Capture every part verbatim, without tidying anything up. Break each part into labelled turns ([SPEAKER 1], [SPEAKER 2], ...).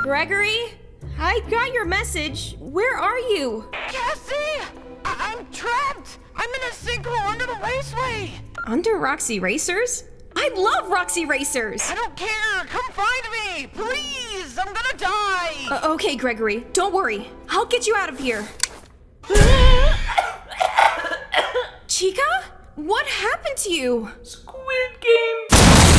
[SPEAKER 1] Gregory? I got your message. Where are you?
[SPEAKER 2] Cassie! I- I'm trapped! I'm in a sinkhole under the raceway!
[SPEAKER 1] Under Roxy Racers? I love Roxy Racers!
[SPEAKER 2] I don't care! Come find me! Please! I'm gonna die!
[SPEAKER 1] Uh, okay, Gregory. Don't worry. I'll get you out of here. Chica? What happened to you?
[SPEAKER 3] Squid Game!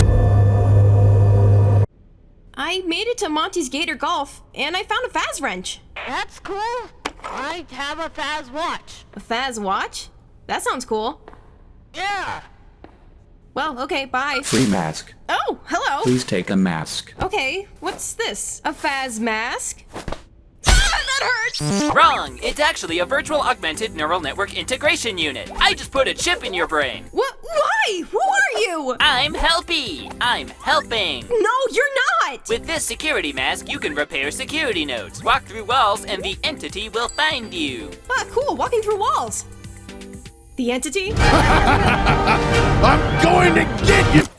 [SPEAKER 1] I made it to Monty's Gator Golf, and I found a Faz wrench.
[SPEAKER 2] That's cool. I have a Faz watch.
[SPEAKER 1] A Faz watch? That sounds cool.
[SPEAKER 2] Yeah.
[SPEAKER 1] Well, okay, bye.
[SPEAKER 4] Free mask.
[SPEAKER 1] Oh, hello.
[SPEAKER 4] Please take a mask.
[SPEAKER 1] Okay, what's this? A Faz mask? Ah, that hurts!
[SPEAKER 3] Wrong! It's actually a virtual augmented neural network integration unit. I just put a chip in your brain.
[SPEAKER 1] What? Why? Who are you?
[SPEAKER 3] I'm Helpy. I'm helping.
[SPEAKER 1] No, you're not!
[SPEAKER 3] With this security mask, you can repair security nodes, walk through walls, and the entity will find you.
[SPEAKER 1] Ah, cool, walking through walls. The entity?
[SPEAKER 5] I'm going to get you!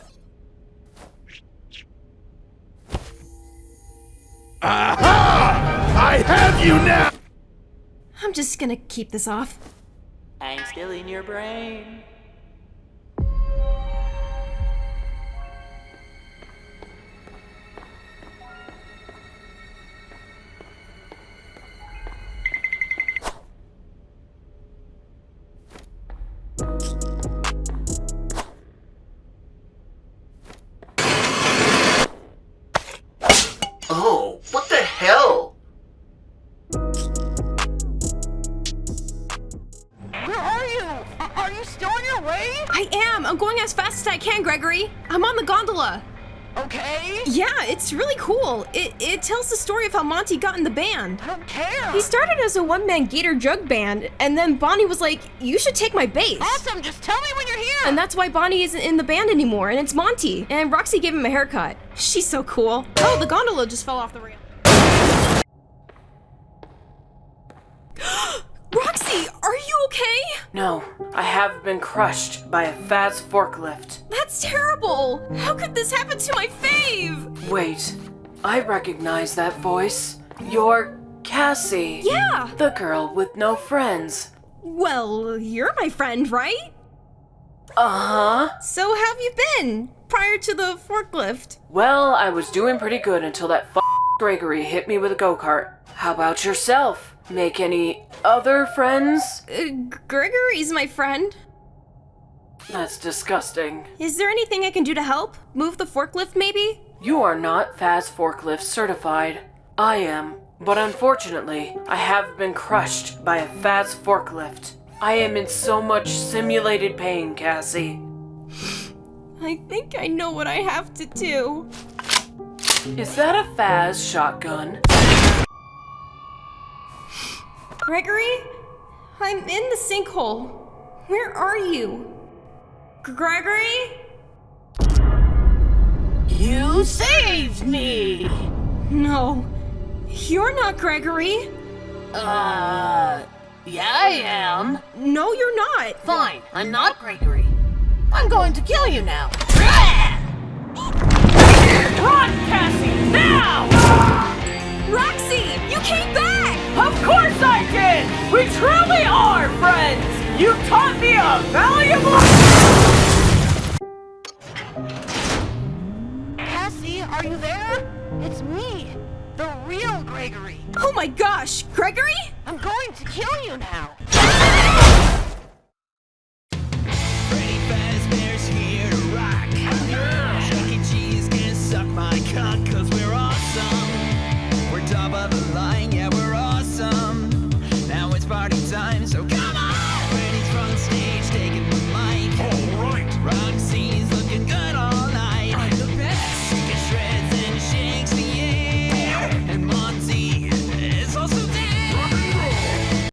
[SPEAKER 5] Aha! I have you now!
[SPEAKER 1] I'm just gonna keep this off.
[SPEAKER 3] I'm still in your brain.
[SPEAKER 6] Oh, what the hell?
[SPEAKER 2] Where are you? A- Are you still on your way?
[SPEAKER 1] I am! I'm going as fast as I can, Gregory! I'm on the gondola!
[SPEAKER 2] Okay.
[SPEAKER 1] Yeah, it's really cool. It, it tells the story of how Monty got in the band.
[SPEAKER 2] I don't care.
[SPEAKER 1] He started as a one-man Gator Jug band, and then Bonnie was like, you should take my bass.
[SPEAKER 2] Awesome. Just tell me when you're here.
[SPEAKER 1] And that's why Bonnie isn't in the band anymore, and it's Monty. And Roxy gave him a haircut. She's so cool. Oh, the gondola just fell off the rail. Roxy, are you okay?
[SPEAKER 7] No, I have been crushed by a Faz forklift.
[SPEAKER 1] That's terrible. How could this happen to my fave?
[SPEAKER 7] Wait, I recognize that voice. You're Cassie.
[SPEAKER 1] Yeah.
[SPEAKER 7] The girl with no friends.
[SPEAKER 1] Well, you're my friend, right?
[SPEAKER 7] Uh-huh.
[SPEAKER 1] So how have you been prior to the forklift?
[SPEAKER 7] Well, I was doing pretty good until that f*** Gregory hit me with a go-kart. How about yourself? Make any other friends?
[SPEAKER 1] Uh, Gregory's my friend.
[SPEAKER 7] That's disgusting.
[SPEAKER 1] Is there anything I can do to help? Move the forklift, maybe?
[SPEAKER 7] You are not Faz forklift certified. I am. But unfortunately, I have been crushed by a Faz forklift. I am in so much simulated pain, Cassie.
[SPEAKER 1] I think I know what I have to do.
[SPEAKER 7] Is that a Faz shotgun?
[SPEAKER 1] Gregory? I'm in the sinkhole. Where are you? Gregory?
[SPEAKER 2] You saved me.
[SPEAKER 1] No. You're not Gregory.
[SPEAKER 2] Uh, yeah, I am.
[SPEAKER 1] No, you're not.
[SPEAKER 2] Fine, I'm not Gregory. I'm going to kill you now. Run, Cassie, now!
[SPEAKER 1] Roxy, you came back!
[SPEAKER 2] Of course I did! We truly are friends! You've taught me a valuable... Cassie, are you there? It's me, the real Gregory.
[SPEAKER 1] Oh my gosh, Gregory?
[SPEAKER 2] I'm going to kill you now.
[SPEAKER 8] Freddy Fazbear's here to rock. Chuck E. Cheese can suck my cock, cause we're awesome. We're top of the line, yeah, we're